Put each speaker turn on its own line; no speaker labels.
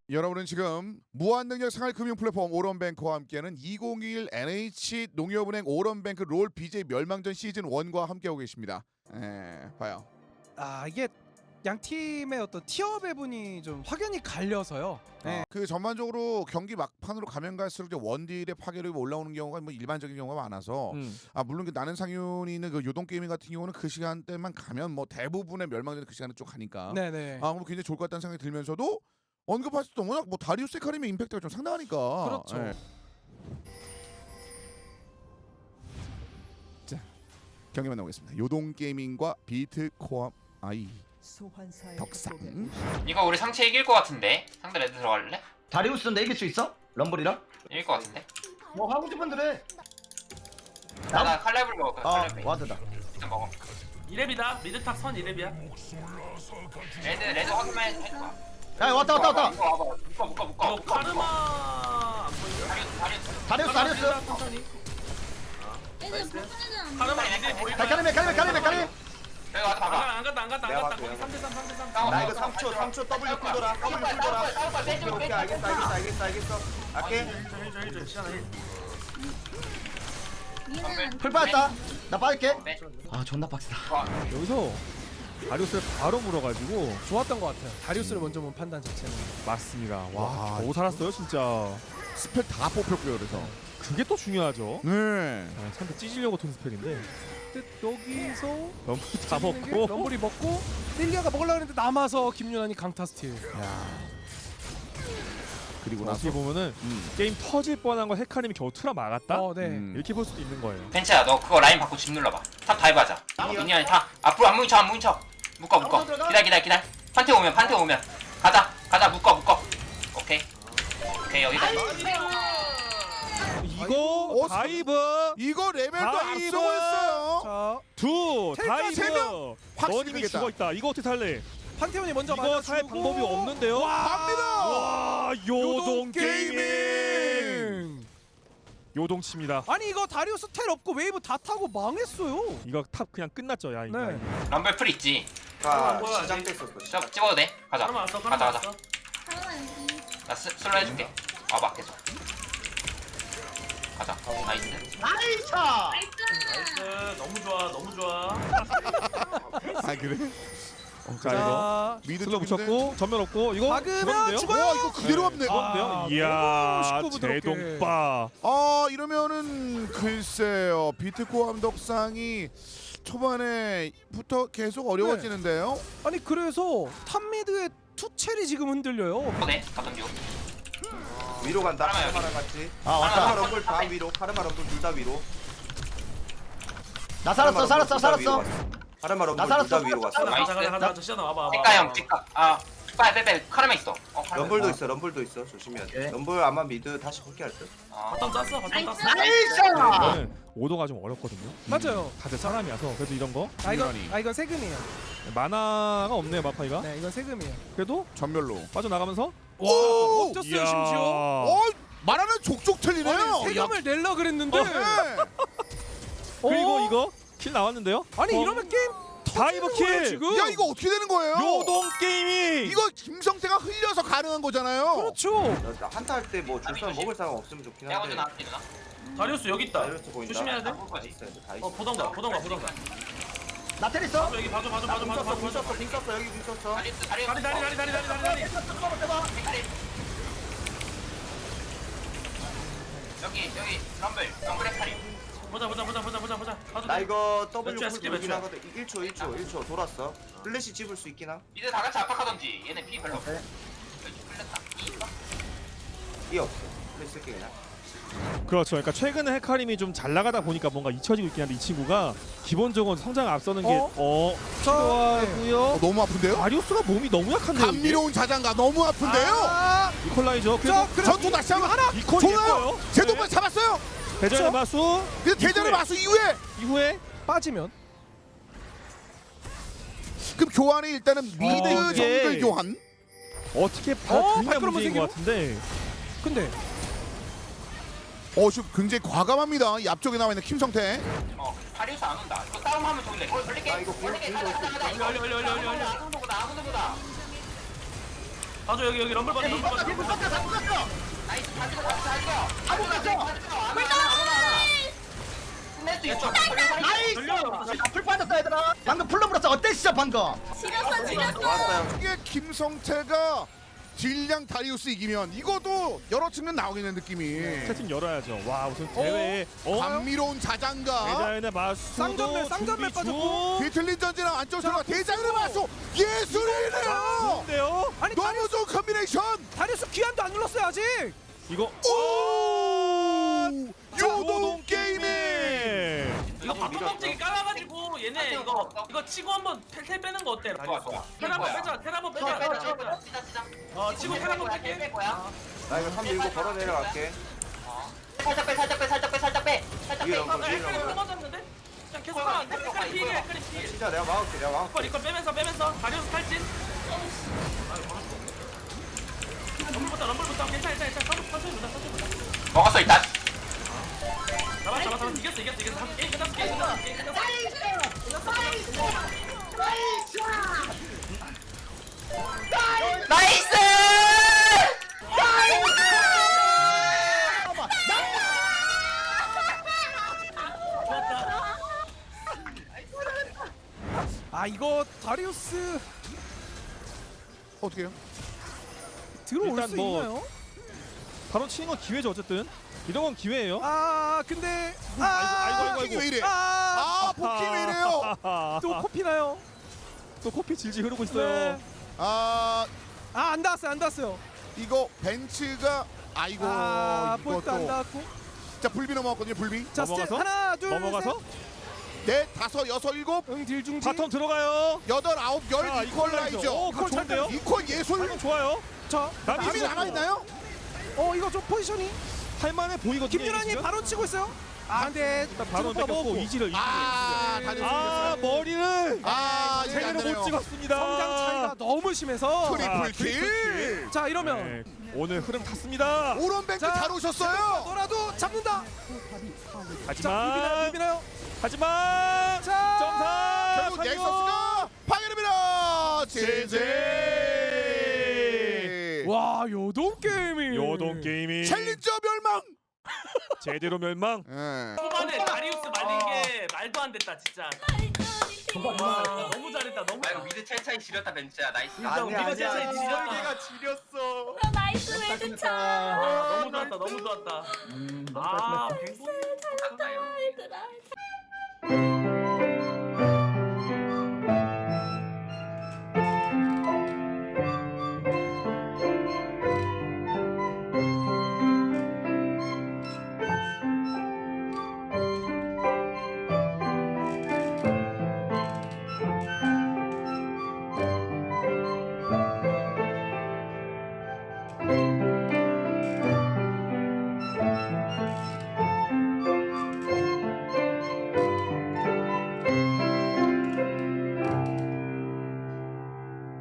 여러분은 지금 무한능력 생활 금융 플랫폼 오런뱅크와 함께하는 2021 NH 농협은행 오런뱅크 롤 BJ 멸망전 시즌 1과 함께하고 계십니다. 봐요.
아 이게 양 팀의 어떤 티어 배분이 좀 확연히 갈려서요. 네.
그 전반적으로 경기 막판으로 가면 갈수록 이제 원딜의 파괴력이 올라오는 경우가 뭐 일반적인 경우가 많아서 물론 그 나는 상윤이 있는 그 요동 게이밍 같은 경우는 그 시간대만 가면 뭐 대부분의 멸망전 그 시간에 쭉 가니까
네네.
그럼 굉장히 좋을 것 같다는 생각이 들면서도 언급할 수도 워낙 뭐 다리우스 헤카림의 임팩트가 좀 상당하니까.
그렇죠.
예. 자 경기 만나보겠습니다. 요동 게이밍과 비트 코앞 아이 덕상.
이거 우리 상체 이길 것 같은데? 상대 레드 들어갈래?
다리우스는 내 이길 수 있어? 럼블이랑?
이길 것 같은데?
뭐 하고 싶은 대로 해.
나 칼렙을 먹을까? 칼렙을
와드다.
일단 먹어.
2렙이다. 미드탑 선 2렙이야.
레드 확인만 해줘봐.
야 왔다.
묶어.
이거 카르마 안 보이냐?
다리우스.
천천히.
나이스.
카르마 미드 보이면
가리메.
여기 와서 봐봐.
안 갔다. 거기 3대3.
나
이거 3초 W 쿨돌아. 오케이 알겠어. 할게.
힐 시간아 힐.
풀 빠졌다. 나 빠질게.
네.
아 존나 빡세다.
여기서 다리우스를 바로 물어가지고
좋았던 것 같아요. 다리우스를 먼저 본 판단 자체는.
맞습니다.
와,
와, 겨우 살았어요 진짜.
스펠 다 뽑혔고요. 그래서
그게 또 중요하죠.
네.
상대 찢으려고 튼 스펠인데
근데 여기서
너무 다
찢는 게
먹고
럼블이 먹고 릴리아가 먹으려고 했는데 남아서 김윤환이 강타 스틸.
그리고
어떻게
나서
보면은 게임 터질 뻔한 걸 헤카림이 겨우 틀어 막았다.
네.
이렇게 볼 수도 있는 거예요.
벤츠야 너 그거 라인 받고 집 눌러봐. 탑 다이브 하자. 미니언이 타. 앞으로 안 뭉쳐. 묶어. 기다려. 판테 오면. 가자 묶어. 오케이 여기까지.
이거 다이브
이거 레벨도
다이브!
앞서고 있어요.
자
두
텔카 세 명!
다이브.
확실히
너님이
되겠다.
죽어 있다. 이거 어떻게 살래?
판테온이 먼저
이거 살
맞아주고
방법이 없는데요.
갑니다.
와 요동 게이밍. 요동칩니다.
아니 이거 다리우스 텔 없고 웨이브 다 타고 망했어요.
이거 탑 그냥 끝났죠 야 이거.
네.
럼블 풀 있지.
아, 뭐야,
저 찍어도 돼. 가자.
카르마 왔어.
가자. 나 슬로 해줄게. 와봐 계속. 가자. 나이스.
나이스. 너무 좋아.
아 그래?
자 이거
자
미드
슬로
쪽인데?
붙였고 전면 없고 이거
박으면
죽었는데요?
죽어요.
와 이거 그대로 왔네.
아,
이야
너무 쉽고 부드럽게.
제동빠.
이러면은 글쎄요. 비트코 함덕상이 초반에부터 계속 어려워지는데요.
아니 그래서 탑미드의 투첼이 지금 흔들려요.
네. 가던 중.
위로 간다.
카르마
카르마랑 같이.
아 왔다.
카르마 럼블 다 위로. 카르마 럼블 둘 다 위로.
나 살았어.
카르마 럼블
나
둘 다
살았어.
위로 갔어.
가자. 시간아 와봐.
찌까 형 찌까. 빼. 카르마 있어.
럼블도 있어. 조심해야 돼.
오케이.
럼블 아마 미드 다시 복귀할 듯.
바텀 짰어.
이거는 오도가 좀 어렵거든요.
맞아요.
다들 사람이라서 그래도 이런 거
이건 세금이에요.
만화가 없네요 마파이가.
네 이건 세금이에요.
그래도
전멸로.
빠져나가면서
와 없었어요 심지어.
말하는 족족 틀리네요.
아니, 세금을 낼라 그랬는데.
네.
그리고
어?
이거 킬 나왔는데요.
아니 이러면 게임
다이브
터지는 거예요,
킬.
지금.
야 이거 어떻게 되는 거예요?
요동 게이밍.
이거 김성태가 흘려서 가능한 거잖아요.
그렇죠.
한타 할 때 뭐 줄선 먹을 사람 없으면 좋긴
내가 먼저
한데.
나갈게 누나.
다리우스 여기 있다.
다이어트 보인다.
조심해야 돼.
나이스, 다 있어.
보던가.
나 텔 있어.
여기 봐줘.
공 썼어. 여기 공 썼어.
다리.
다리.
여기 럼블 헤카림.
보자. 봐도
나
돼.
이거 W
몇 초야,
쿨
스킵
돌긴
몇
하거든. 1초 돌았어. 플래시 집을 수 있긴 함.
미드 다 같이 압박하던지. 얘네 피 별로 없어.
오케이.
끌렸다. 이 있어?
이 없어. 플래시 쓸게 그냥.
그렇죠. 그러니까 최근에 헤카림이 좀 잘 나가다 보니까 뭔가 잊혀지고 있긴 한데 이 친구가 기본적으로 성장 앞서는 게 필요하고요.
너무 아픈데요?
다리우스가 몸이 너무 약한데요. 이게?
감미로운 자장가 너무 아픈데요.
이퀄라이저. 그래도
전투 다시 한번 하나.
이퀄
좋아요.
예뻐요.
제동까지 잡았어요.
대전의 마수
근데 대전의 마수 이후에
빠지면
그럼 교환이 일단은 미드
이게-
정글 교환.
어떻게 받느냐
발걸음은
문제인
생기고?
것 같은데.
근데
지금 굉장히 과감합니다. 이 앞쪽에 나와 있는 김성태.
다리우스 안 온다. 이거 싸움하면 좋은데. 걸릴게.
아, 이거
걸릴게.
공격
가자.
얼리.
아무도 보다.
봐줘 여기 럼블 봐줘 럼블 봐줘.
나이스 다 죽여 다 죽여.
아무나 줘.
끝낼 수 있어.
나이스. 풀 빠졌다 얘들아. 방금 풀로 물었어. 어때 진짜 방금?
지렸어.
나왔어요.
이게 김성태가 딜량 다리우스 이기면 이것도 여러 측면 나오겠는 느낌이.
채팅 열어야죠. 와 우선 대회에
감미로운 자장가.
대자연의 마수
쌍전멸 빠졌고.
뒤틀린 전지랑 안쪽 들어가 대장을 맞서 예술이네요.
좋은데요?
아니
너무 좋은 컨비네이션.
다리우스 귀환도 안 눌렀어요 아직.
이거
오! 요동 게임이.
이거 바텀 껍질이 깔아가지고 얘네 이거 치고 한번 텔 빼는 거 어때?
좋아 좋아.
텔 한번 빼자 텔 한번 빼자. 치고 텔 한번 뺄게.
거야.
나 이거 3 밀고 걸어 내려갈게.
살짝 빼. 살짝 빼.
위에 럼블 위에
헷갈리
럼블.
끊어졌는데? 그냥 계속 하면 안 돼? 헷갈리 피해 헷갈리 피해.
진짜 내가 막을게.
이걸 빼면서 다리우스 탈진. 럼블부터 괜찮아 천천히 보자.
먹었어 일단.
잡아 이겼어 게임 끝났어.
나이스!
아 이거 다리우스
어떻게 해요?
들어올
일단
수
뭐-
있나요?
바로 치는 건 기회죠 어쨌든. 이런 건 기회예요.
아 근데
아이고.
포킹이 왜 이래?
아,
아 포킹이 왜 이래요?
또 코피나요?
또 코피 질질 흐르고 있어요.
네.
아
안 닿았어요.
이거 벤츠가 아이고
볼도 안
이것도
닿았고.
자 불비 넘어갔거든요 불비.
자 스텝
넘어가서?
하나 둘
넘어가서
넷 다섯 여섯 일곱
응딜 중지.
바텀 들어가요.
여덟 아홉
자,
열 이퀄라이저.
이퀄 좋은데요?
이퀄 예술.
바텀 좋아요.
저
남이
남이 나가 있나요?
이거 좀 포지션이
할만해 보이거든요.
김유란이
지금.
바로 치고 있어요. 아 근데
일단 바로
찍어봐
뺏겼고
먹었고.
이지를
아 다리
아 머리를
아
제대로 못 찍었습니다.
성장 차이가 너무 심해서.
트리플
트리플
킬.
자 이러면
네, 오늘 흐름 탔습니다.
오른뱅크
자,
잘 오셨어요.
너라도 잡는다.
하지만
비비나요?
하지만
자,
점사
결국 넥서스가 파괴됩니다. 제제.
와 요동 게임이.
요동 게임이
챌린저 멸망.
제대로 멸망.
예.
초반에 다리우스 말린 게 말도 안 됐다 진짜. 와 너무 잘했다 너무.
아 이거 미드 첼차이 지렸다 벤츠야. 나이스.
아니야,
미드 첼차이
아니야.
지렸다.
설계가 지렸어.
나이스 매드 차.
너무 좋았다. 아 뱅보.
갔다 이거.
얘들아.